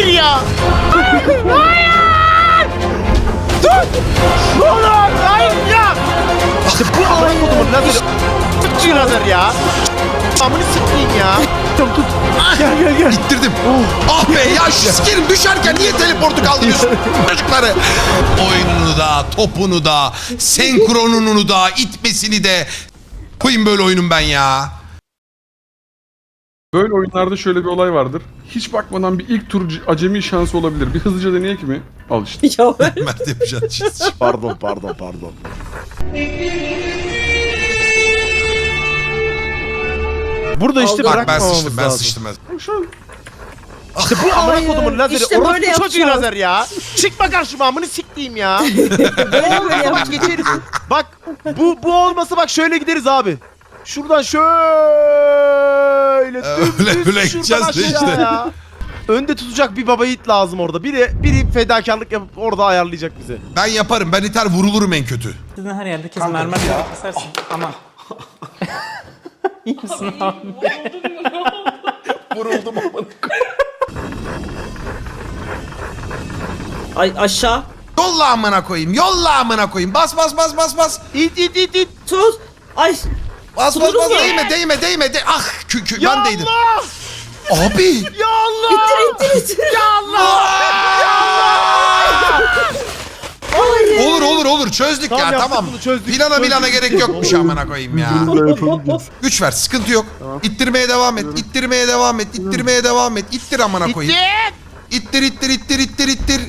ya. Hayır. Dur. Oğlum hayır ya. İşte bu amına kodumun lazeri. Sıkçı lazer ya. Amını sıkayım ya. Tut. Gel. İttirdim. Ah be ya şu sikerim düşerken niye teleportu kaldırıyorsun çocukları? Oyununu da, topunu da, senkronunu da, itmesini de. Koyayım böyle oyunum ben ya. Böyle oyunlarda şöyle bir olay vardır. Hiç bakmadan bir ilk tur acemi şansı olabilir. Bir hızlıca deneyek mi? Al işte. Ya ben Mert yapacağız çizici. Pardon. Burada işte Bak, Bak ben bırakmamamız sıçtım ben lazım. sıçtım ben. İşte bu amına kodumun lazeri. işte böyle Orospu çocuğu yapacağız. lazer ya. Çıkma karşıma amını siktiğim ya. böyle Bak yapacağım. geçeriz. Bak bu olmasa bak şöyle gideriz abi. Şuradan şöyle Öyle şuradan gideceğiz de aşağı işte. ya. Önde tutacak bir baba yiğit lazım orada. Biri fedakarlık yapıp orada ayarlayacak bizi. Ben yaparım ben iter vurulurum en kötü. Sizin her yerde kesin mermer direkt kesersin ama. İyi misin abi? Ay aşağı. Yolla amına koyayım bas. İt. Tut. Ay. Bas Tutulur mu? değme ah Ya ben değdim. Allah! Abi. Ya Allah! İttir. Ya Allah! Olur çözdük Tamam, ya yaptık tamam. bunu, çözdük. Plana gerek yokmuş amına koyayım ya. Güç ver sıkıntı yok. İttirmeye devam et. İttir amına koyayım. İttir. İttir.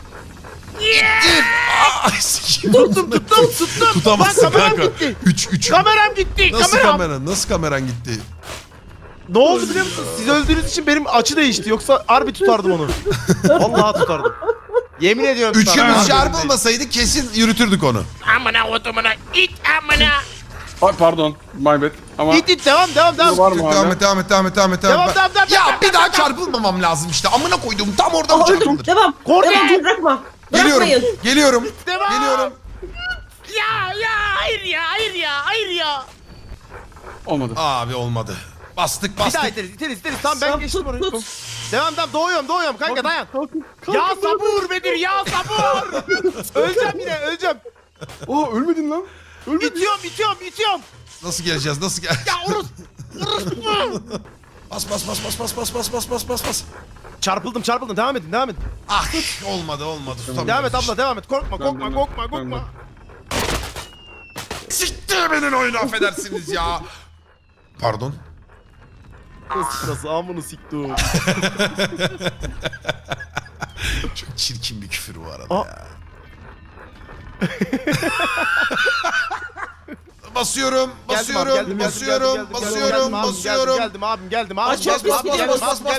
Ay sikeyim. Tuttum. Tutamazsın Lan kameram kanka. gitti. 3. Kameram gitti. Nasıl kameran gitti? Ne oldu biliyor musun? Siz öldüğünüz için benim açı değişti. Yoksa harbi tutardım onu. Vallahi tutardım. Yemin ediyorum. Üçümüz çarpılmasaydı kesin yürütürdük onu. Amına otomuna it amına. Ay pardon. My bad. Ama İt devam. var mı hala? Devam et. Devam. Ya bir daha çarpılmamam lazım işte. Amına koyduğum tam orada mı çarpılır? Devam. Kordi. Devam bırakma. Bırakmayın. Geliyorum. Devam. Ya hayır ya. Olmadı. Abi olmadı. Bastık. Bir daha iteriz. Tamam ben Tamam, geçtim tut, orayı. tut. Devam doğuyorum kanka dayan. Kalkın, Ya sabır Bedir ya sabır. Öleceğim. Aa ölmedin lan. Ölmedin. İtiyorum. Nasıl geleceğiz? Ya Urus. Bas. Çarpıldım. Devam edin. Ah olmadı. Tutamıyorum. Devam et abla devam et. Korkma. Ben. Siktir benim oyunu affedersiniz ya. Pardon. Sırası amını siktim. Çok çirkin bir küfür bu arada Aa. ya. Basıyorum. Geldim abim. Açık biz gidiyoruz.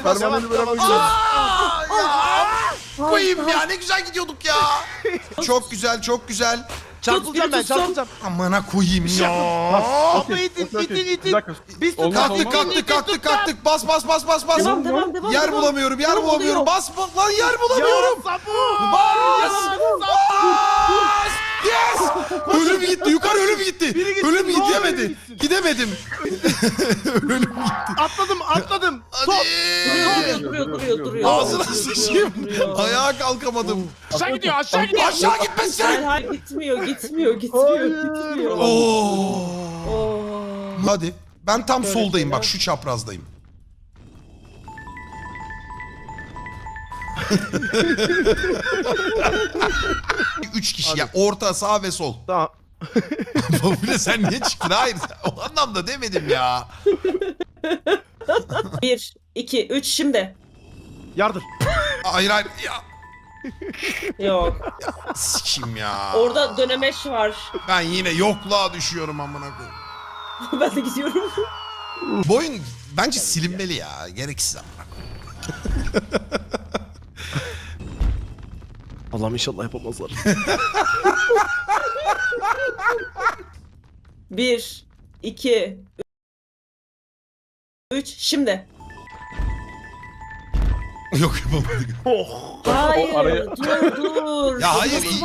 Koyayım ya ne güzel gidiyorduk ya. Çok güzel. Çarpılacağım ben. Amına koyayım ya. Abla itin. Bir dakika. Biz Olmaz, Kalktık. Bas. Devam. Yer bulamıyorum. Bas lan yer bulamıyorum. Sabır. Bas. Yes. Ölüm gitti. Yukarı ölüm gitti. Ölüm gidemedi. Gidemedim. Ölüm gitti. Atladım. Hadi. Duruyor. Ağzına sıçayım. Ayağa kalkamadım. Aşağı gidiyor. Aşağı gitmesin. Hayır gitmiyor. Oo. Hadi. Ben tam soldayım bak şu çaprazdayım. Üç kişi ya orta sağ ve sol. Tamam. Babule sen niye çıktın? Hayır o anlamda demedim ya. 1, 2, 3 şimdi. Yardır. Hayır ya. Yok. Sikim ya. Orada dönemeç var. Ben yine yokluğa düşüyorum amına koyayım. Ben de gidiyorum. Bu oyun bence silinmeli ya. Gereksiz amına koyayım. Allah'ım inşallah yapamazlar. 1, 2, 3 şimdi. Yok yapamadık. Hayır. araya- Dur. Ya hayır iyi.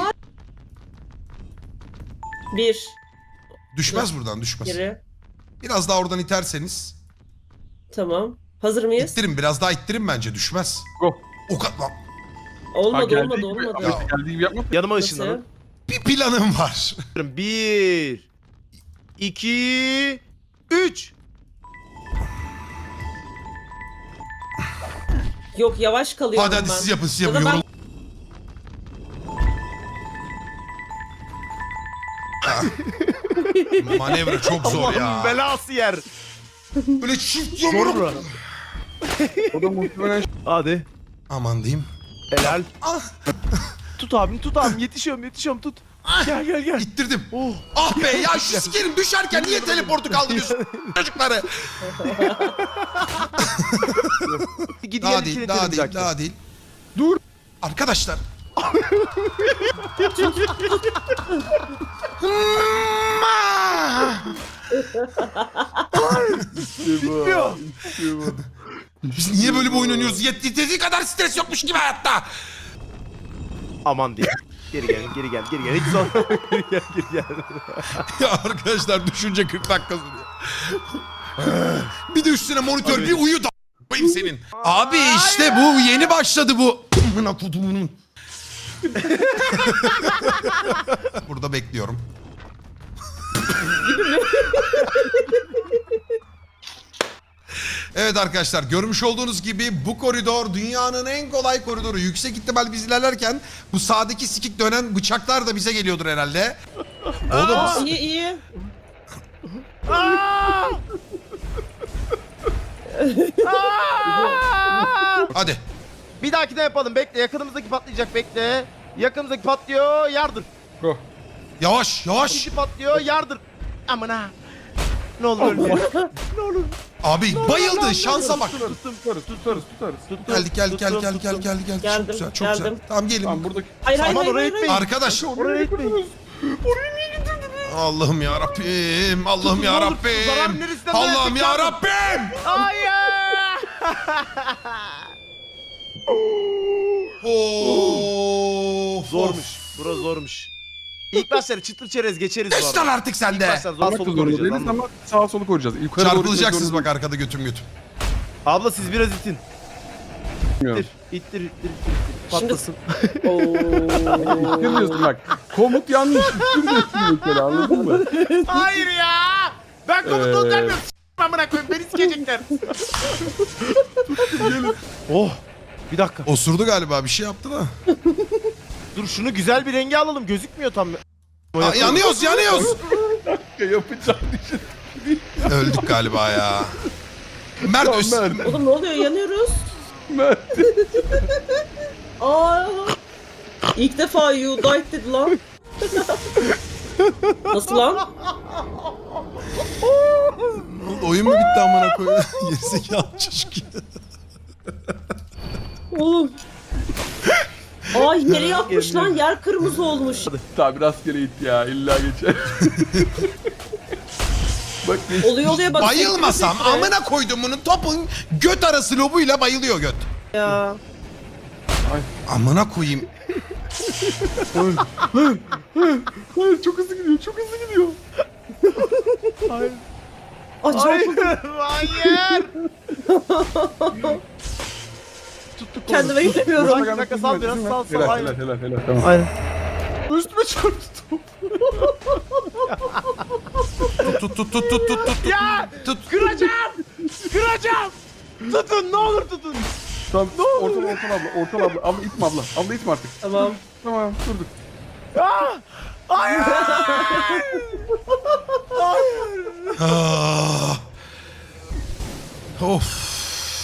1, Düşmez buradan düşmez. geri. Biraz daha oradan iterseniz. Tamam. Hazır mıyız? İttirin biraz daha ittirin bence düşmez. Go. O kadar. Olmadı geldiği olmadı gibi- olmadı. Ahmet geldiği gibi yapma. Yanıma Nasıl? ışınlanın. Bir planım var. 1 2 3 Yok yavaş kalıyorum Hadi ben. siz yapın siz Ya yapın. da ben- Yorul- Ah. Manevra çok zor ya. Allah'ın belası yer. Böyle çift Zor yumruk. mu? O da muhtemelen Hadi. Aman diyeyim. Helal. Ah. Tut abim yetişiyorum tut. Gel gel. İttirdim. Oh. Ah be ya şu sikerim düşerken niye teleportu kaldırıyorsun çocukları? Gidi Daha gel değil, içine daha değil, tırmayacaktım. daha değil. dur. Arkadaşlar. Bitmiyor. Biz niye böyle bir oyun oynuyoruz? Yettiği kadar stres yokmuş gibi hayatta. Aman diye. Geri gel. Hiç zor. geri gel. Ya arkadaşlar düşünce 40 dakika sürüyor. Bir de üstüne monitör bir uyu da koyayım senin. Abi işte bu yeni başladı bu. Amına kodumunun. Burada bekliyorum. Evet arkadaşlar görmüş olduğunuz gibi bu koridor dünyanın en kolay koridoru. Yüksek ihtimal biz ilerlerken bu sağdaki sikik dönen bıçaklar da bize geliyordur herhalde. Oğlum Aa, iyi. hadi. Bir dahakine yapalım. Bekle. Yakınımızdaki patlayacak. Bekle. Yakınımızdaki patlıyor. Yardır. Go. Yavaş yavaş. İkinci patlıyor. Yardır. Aman ha. Ne olur ölme. Ne olur. Abi bayıldı şansa bak. Tutarız. Geldik gel. Çok Geldim, güzel çok güzel. geldim. Tamam gelin. Tamam buradaki. Hayır hayır Aman hayır. oraya hayır, etmeyin. Arkadaş Oraya etmeyin. Allah'ım ya Rabbim. Allah'ım ya Zarar Rabbim. neresinden Allah'ım verecek ya yardım? Rabbim. Hayır. Of. Zormuş. Bura zormuş. İlk başları çıtır çerez geçeriz bu Geç lan arada. artık sen İlk de. başlar zor Almak da solu zorunda koruyacağız. değiliz Anladın mı? ama sağa solu koruyacağız. Yukarı doğru Çarpılacaksınız gitmek bak arkada götüm götüm. Abla siz biraz itin. zorundayım. İttir. Patlasın. Oo. İttirmiyorsun bak. Komut yanlış. İttirmiyorsun mesela anladın mı? Hayır ya. Ben komutan vermiyorum. Amına koyayım beni sikecekler. Oh. Bir dakika. Osurdu galiba bir şey yaptı da. Dur şunu güzel bir renge alalım. Gözükmüyor tam. Aa, yanıyoruz. Yapacağım. Öldük galiba ya. Mert Mert. Oğlum ne oluyor yanıyoruz. Mert. Aa. İlk defa you died dedi lan. Nasıl lan? oyun mu bitti amına koyayım? Gerizekalı çocuk ya. Oğlum. Aa yeri yapmış lan yer kırmızı olmuş. Tabi rastgele it ya illa geçer. Bak geç. Oluyor bak. Bayılmasam sekre sekre. amına koyduğumunun topun göt arası lobuyla bayılıyor göt. Ya. Amına koyayım. Hayır çok hızlı gidiyor. Acayip. Hayır. Kendime gelemiyorum. Bir dakika, sal biraz, sal. Aynen. Helal tamam. Aynen. Üstüme çarptı top. Tut. Ya. Tut. Kıracağım. Tutun ne olur tutun. Tamam ortal abla. Abla itme abla. Abla itme artık. Tamam. Tamam durduk. Hayır. Ah. Of.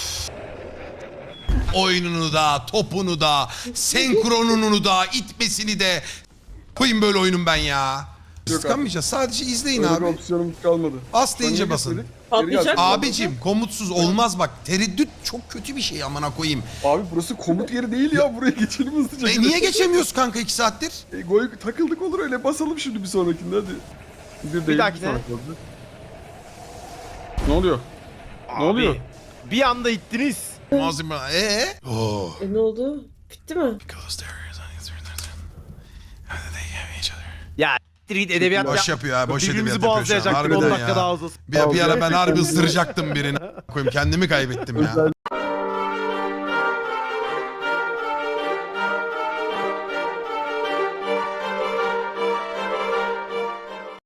Oyununu da, topunu da, senkronunu da, itmesini de koyayım böyle oyunum ben ya. Sıkamayacağız. Sadece izleyin Öyle bir abi. opsiyonumuz kalmadı. As deyince Sonra basın. gitmedik. Patlayacak Geri mı? geldik. Abicim komutsuz olmaz bak. Tereddüt çok kötü bir şey amına koyayım. Abi burası komut yeri değil ya. Buraya geçelim hızlıca. Niye geçemiyoruz kanka 2 saattir? Takıldık olur öyle. Basalım şimdi bir sonrakinde hadi. Bir dahakine. sonraki oldu. Ne oluyor? Ne oluyor? Bir anda ittiniz. Malzeme. Oo. Ne oldu? Bitti mi? Ya ittir edebiyat Boş yapıyor ha, boş Birbirimizi edebiyat yapıyor şu an. boğazlayacaktık 10 Harbiden dakika ya. daha uzasın. Bir ara ben harbi ısıracaktım birini. Koyayım kendimi kaybettim ya.